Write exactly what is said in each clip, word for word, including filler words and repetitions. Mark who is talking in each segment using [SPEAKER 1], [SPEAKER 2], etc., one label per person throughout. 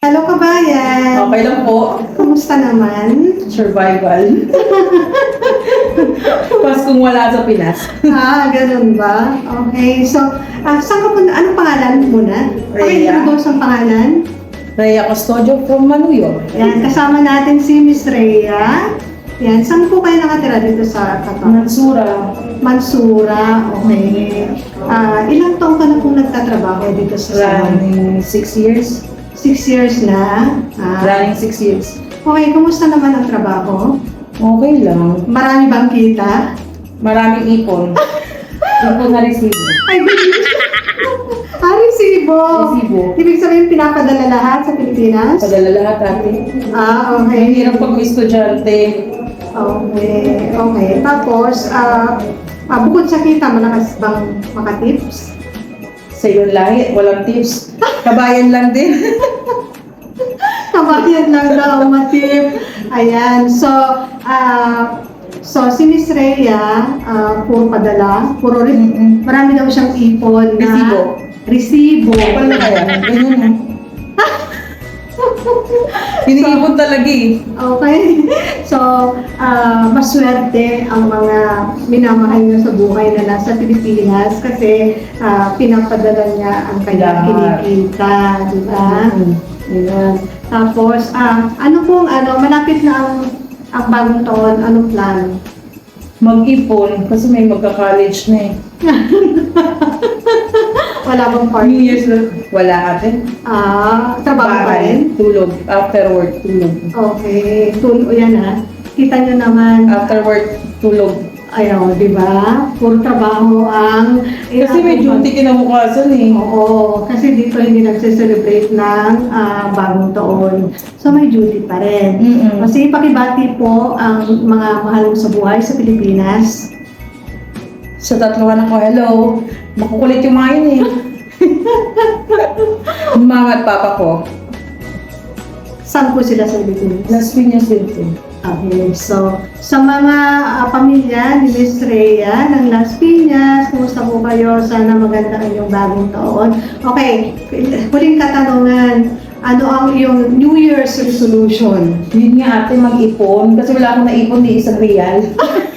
[SPEAKER 1] Hello kabayan!
[SPEAKER 2] Okay lang po.
[SPEAKER 1] Kumusta naman?
[SPEAKER 2] Survival. Paskong wala sa Pinas.
[SPEAKER 1] Ah, ganun ba? Okay, so, ah, saan ka punta? Anong pangalan muna?
[SPEAKER 2] Rhea.
[SPEAKER 1] Pakita ang pangalan.
[SPEAKER 2] Rhea Custodio from Manuyo.
[SPEAKER 1] Yan, kasama natin si Miss Rhea. Yan, saan po kayo nakatira dito sa Qatar?
[SPEAKER 2] Mansura.
[SPEAKER 1] Mansura, okay. Ah, ilang taon ka na pong nagtatrabaho dito sa Saman?
[SPEAKER 2] Running six years.
[SPEAKER 1] Six years na. Ah,
[SPEAKER 2] Running six years.
[SPEAKER 1] okay, kumusta naman ang trabaho?
[SPEAKER 2] Okay lang.
[SPEAKER 1] Marami bang kita?
[SPEAKER 2] Maraming ipon. Ipon na resibo.
[SPEAKER 1] Ay, ah, resibo.
[SPEAKER 2] Resibo.
[SPEAKER 1] Ibig sabihin, pinapadala lahat sa Pilipinas?
[SPEAKER 2] Padala lahat natin.
[SPEAKER 1] Ah,
[SPEAKER 2] Ang
[SPEAKER 1] okay.
[SPEAKER 2] hirap pag estudyante.
[SPEAKER 1] Okay, okay. Tapos, ah, ah, bukod sa kita, malakas bang makatips?
[SPEAKER 2] Sa iyong lahi, walang tips. Kabayan lang din.
[SPEAKER 1] Kabayan lang daw matip. Ayan, so, ah, so si Miss Rhea, ah, puro padala, puro rin,
[SPEAKER 2] Mm-mm.
[SPEAKER 1] marami daw siyang ipon na
[SPEAKER 2] Resibo.
[SPEAKER 1] resibo.
[SPEAKER 2] Kapal na kaya. Ganyan na. Hiniipon talaga eh.
[SPEAKER 1] Okay. So, ah, maswerte ang mga minamahal niya sa buhay na nasa Pilipinas kasi ah, pinapadala niya ang kanyang
[SPEAKER 2] Lahat.
[SPEAKER 1] kinikita, di ba?
[SPEAKER 2] Mm.
[SPEAKER 1] Ayan. Tapos, ah, ano pong, ano, malapit na ang, ang bagong taon, anong plan?
[SPEAKER 2] Mag-ipon kasi may magka-college na eh.
[SPEAKER 1] Wala bang
[SPEAKER 2] New
[SPEAKER 1] party?
[SPEAKER 2] Year's na. Wala ate.
[SPEAKER 1] Ah, trabaho pa rin?
[SPEAKER 2] Tulog. After work, tulog.
[SPEAKER 1] Okay. Tulo yan ha. Kita niyo naman.
[SPEAKER 2] After work, tulog.
[SPEAKER 1] Ayaw, di ba? Puro trabaho ang...
[SPEAKER 2] Kasi may duty kinabukasan eh.
[SPEAKER 1] Oo, kasi dito hindi nagse-celebrate ng ah, bagong taon. So may duty pa rin.
[SPEAKER 2] Mm-mm.
[SPEAKER 1] Kasi pakibati po ang mga mahal mo sa buhay sa Pilipinas.
[SPEAKER 2] Sa tatlo anak ko, hello. Makukulit yung mga yun eh. Yung mama at papa ko.
[SPEAKER 1] Saan po sila sa Pilipinas?
[SPEAKER 2] Las Piñas din po.
[SPEAKER 1] Okay, so sa mga ah, pamilya ni Miss Rhea ng Las Piñas, kumusta po kayo? Sana maganda ang inyong bagong taon. Okay, huling katanungan. Ano ang iyong New Year's resolution?
[SPEAKER 2] Yun nga ate, mag-ipon. Kasi wala akong naipon ni isang real.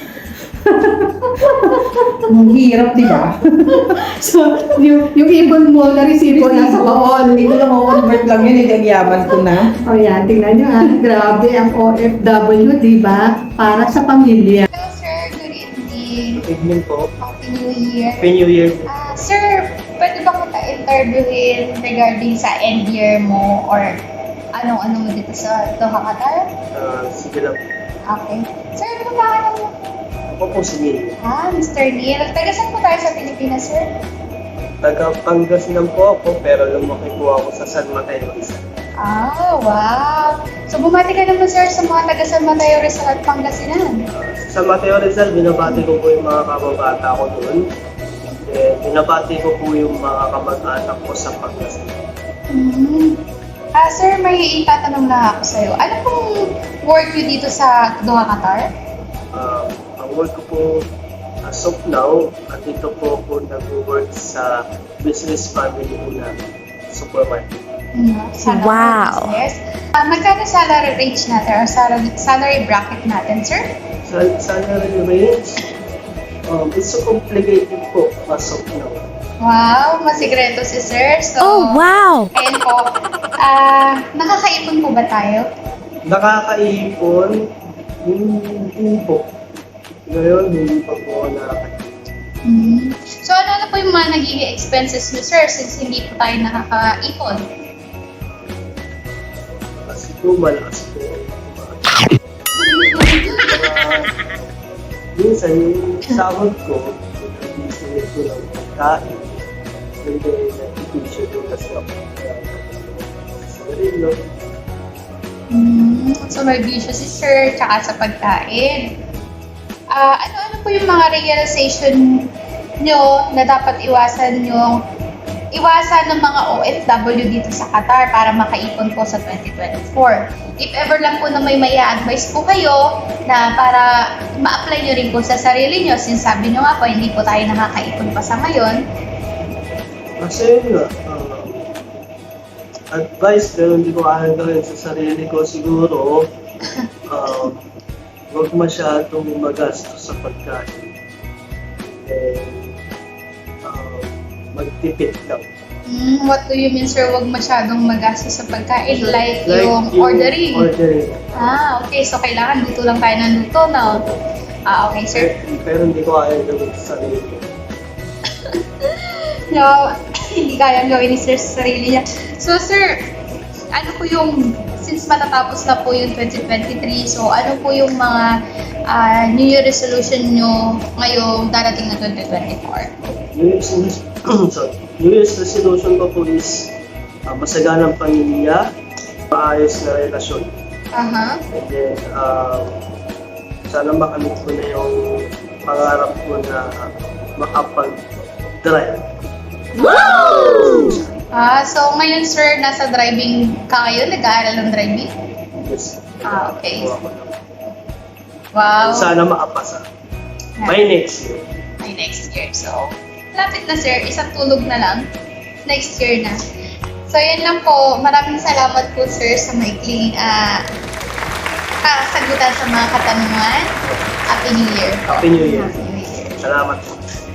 [SPEAKER 2] Ang hirap, di ba?
[SPEAKER 1] So, yung, yung ibon mo na resibo nasa baon.
[SPEAKER 2] Hindi ko lang convert lang yun, hindi ang yaman ko na.
[SPEAKER 1] O yan, tingnan nyo ha. Grabe ang O F W, di ba? Para sa pamilya.
[SPEAKER 3] Hello, sir. Good evening.
[SPEAKER 4] Good evening po.
[SPEAKER 3] Happy New Year.
[SPEAKER 4] Happy New Year.
[SPEAKER 3] Ah, sir, pwede ba kita interviewin regarding sa end year mo or anong-ano mo dito sa Doha, Qatar?
[SPEAKER 4] Uh, sige lang.
[SPEAKER 3] Okay. Sir, ano ba ka mo?
[SPEAKER 4] Ako po si Neil.
[SPEAKER 3] Ah, Mister Neil. Taga saan po tayo sa Pilipinas, sir?
[SPEAKER 4] Taga Pangasinan po ako, pero lumaki po ako sa San Mateo Rizal.
[SPEAKER 3] Ah, wow. So, bumati ka naman, sir, sa mga taga San Mateo Rizal at Pangasinan.
[SPEAKER 4] Sa San Mateo Rizal, binabati ko po yung mga kababata ko doon. Eh, binabati ko po yung mga kamag-anak ko sa Pangasinan.
[SPEAKER 3] Hmm. Ah, sir, may itatanong na ako sa'yo. Ano pong work nyo dito sa Doha, Qatar?
[SPEAKER 4] Uh, ang work ko po as of now, at dito po ako nag-work sa business family ko na supermarket.
[SPEAKER 3] Hmm, sana
[SPEAKER 5] Wow.
[SPEAKER 3] Yes. Ah, magkano salary range natin or salary, salary bracket natin, sir?
[SPEAKER 4] Sa salary range, um, it's so complicated po as of now.
[SPEAKER 3] Wow, masigreto si sir. So,
[SPEAKER 5] Oh, wow!
[SPEAKER 3] ayun po. Ah, nakakaipon po ba tayo?
[SPEAKER 4] Nakakaipon, hindi po. Ngayon, hindi pa po ako nakakaipon.
[SPEAKER 3] Hmm. So, ano na po yung mga nagiging expenses niyo, sir, since hindi po tayo nakakaipon?
[SPEAKER 4] Kasi po, malakas po. Minsan, yung sahod ko, nag-isinit ko ng pagkain. And then, nag-i-issue ko kasi ako. Sa rin,
[SPEAKER 3] Hmm. So, may bisyo si sir, tsaka sa pagkain. Ah, ano-ano po yung mga realization nyo na dapat iwasan nyo, iwasan ng mga O F W dito sa Qatar para makaipon po sa twenty twenty-four? If ever lang po na may may advice po kayo na para ma-apply nyo rin po sa sarili nyo, since sabi nyo nga po, hindi po tayo nakakaipon pa sa ngayon.
[SPEAKER 4] Kasi yun nga, uh, advice pero hindi ko kaya gawin sa sarili ko siguro, um, huwag masyadong magastos sa pagkain. And, um, magtipid lang.
[SPEAKER 3] Mm, what do you mean, sir? Huwag masyadong magastos sa pagkain. Like, yung ordering.
[SPEAKER 4] Ordering.
[SPEAKER 3] Ah, okay. So, kailangan luto lang tayo ng luto, no? Ah, okay, sir.
[SPEAKER 4] Pero, pero hindi ko kaya gawin sa sarili ko.
[SPEAKER 3] No, hindi kayang gawin ni sir sa sarili niya. So, sir, ano po yung, since matatapos na po yung twenty twenty-three, so ano po yung mga ah, New Year resolution nyo ngayong darating na twenty twenty-four?
[SPEAKER 4] New Year's, sorry. New Year's resolution ko po is uh, masaganang pamilya, maayos na relasyon.
[SPEAKER 3] Aha.
[SPEAKER 4] And then, uh, sana makamit ko na yung pangarap ko na makapag-drive.
[SPEAKER 3] Ah, so ngayon, sir, nasa driving ka ngayon? Nag-aaral ng driving?
[SPEAKER 4] Yes.
[SPEAKER 3] Ah, okay.
[SPEAKER 4] Gawa ko lang.
[SPEAKER 3] Wow.
[SPEAKER 4] Sana maapasa. By next year.
[SPEAKER 3] By next year. So, lapit na, sir. Isang tulog na lang. Next year na. So, yan lang po. Maraming salamat po, sir, sa maikling ah, kasagutan sa mga katanungan. Happy New Year po.
[SPEAKER 4] Happy New Year.
[SPEAKER 3] Happy New Year.
[SPEAKER 4] Salamat po.